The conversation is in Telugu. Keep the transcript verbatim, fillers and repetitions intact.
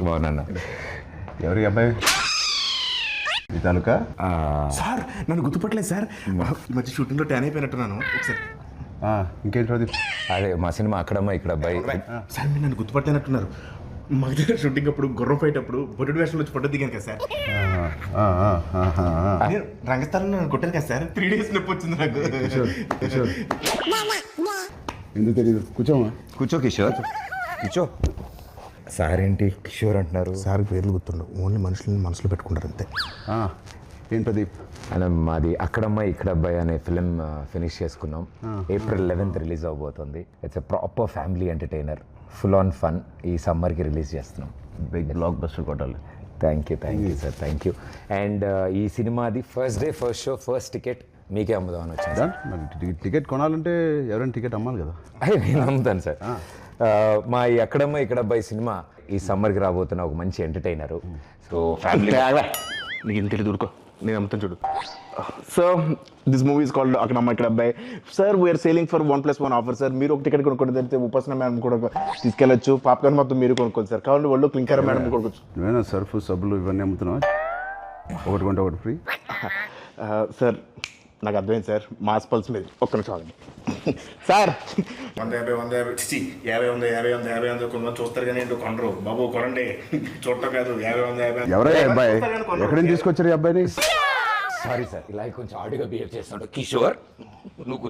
బాగున్నా. ఎవరి అబ్బాయి ఈ తాలూకా? సార్ నన్ను గుర్తుపట్టలేదు సార్. ఈ మధ్య షూటింగ్లో ట్యాన్ అయిపోయినట్టున్నాను. ఒకసారి ఇంకేంటి ప్రదీప్? అదే మా సినిమా అక్కడమ్మా ఇక్కడ అబ్బాయి. సార్ మీరు నన్ను గుర్తుపట్టలేనట్టున్నారు. మా దగ్గర షూటింగ్ అప్పుడు గుర్రం ఫైట్ అప్పుడు బొడ్డు వేషంలో వచ్చి పడ్డ దిగాను కదా సార్. నేను రంగస్థలంలో నన్ను కొట్టాను కదా సార్. త్రీ డేస్ నొప్పి వచ్చింది నాకు. ఎందుకు తెలియదు, కూర్చోమా. కూర్చో కిషోర్, కూర్చో. సార్ ఏంటి కిషోర్ అంటున్నారు? సార్ పేర్లు గుర్తుండవు, ఓన్లీ మనుషులని మనసులో పెట్టుకుంటారు అంతే. ఏం ప్రదీప్? అలా మాది అక్కడమ్మాయి ఇక్కడ అబ్బాయి అనే ఫిలిం ఫినిష్ చేసుకున్నాం. ఏప్రిల్ లెవెన్త్ రిలీజ్ అవబోతుంది. It's a proper family entertainer, full on fun. ఈ సమ్మర్కి రిలీజ్ చేస్తున్నాం. బిగ్ బ్లాక్ బస్టర్ కొట్టాలి. Thank you thank you sir, thank you. And ఈ సినిమాది first day first show first ticket మీకే అమ్ముదామని వచ్చింది సార్. మరి టికెట్ కొనాలంటే ఎవరైనా టికెట్ అమ్మాలి కదా. అయ్యో నేను అమ్ముతాను సార్. మా ఈ అక్కడమ్మ ఇక్కడ అబ్బాయి సినిమా ఈ సమ్మర్కి రాబోతున్న ఒక మంచి ఎంటర్టైనరు. సో ఫ్యామిలీ నీకు ఏం తెలియదు, ఊరుకో, నేను అమ్ముతాను చూడు. Sir this movie is called అక్కడమ్మ ఇక్కడ అబ్బాయి. Sir we are selling for one plus one offer sir. మీరు ఒక టికెట్ కొనుక్కోండి, తెలిస్తే ఉపాసన మేడం కూడా తీసుకెళ్ళచ్చు. పాప్కార్న్ మొత్తం మీరు కొనుక్కోండి సార్. కావాలి వాళ్ళు క్లింకర్ మేడం కొనుక్కోవచ్చు. నువ్వేనా సర్ఫ్ సబ్బులు ఇవన్నీ అమ్ముతున్నావా? ఒకటి కొంటే ఒకటి ఫ్రీ. సార్ నాకు అర్థమైంది సార్, మాస్ పల్స్ మీద ఒక్క నిమిషం ఆగండి సార్. వంద యాభై వంద యాభై చిచి యాభై వంద యాభై వంద యాభై వంద కొంతమంది చూస్తారు కానీ ఏంటో కొనరు బాబు. కొనండి, చూడటం కాదు. యాభై వంద యాభై ఎవరయ్యా అబ్బాయి? ఎక్కడి నుంచి తీసుకొచ్చారు ఈ అబ్బాయిని? సారీ సార్, ఇలా కొంచెం ఆడిగా బిహేవ్ చేస్తున్నాడు కిషోర్. నువ్వు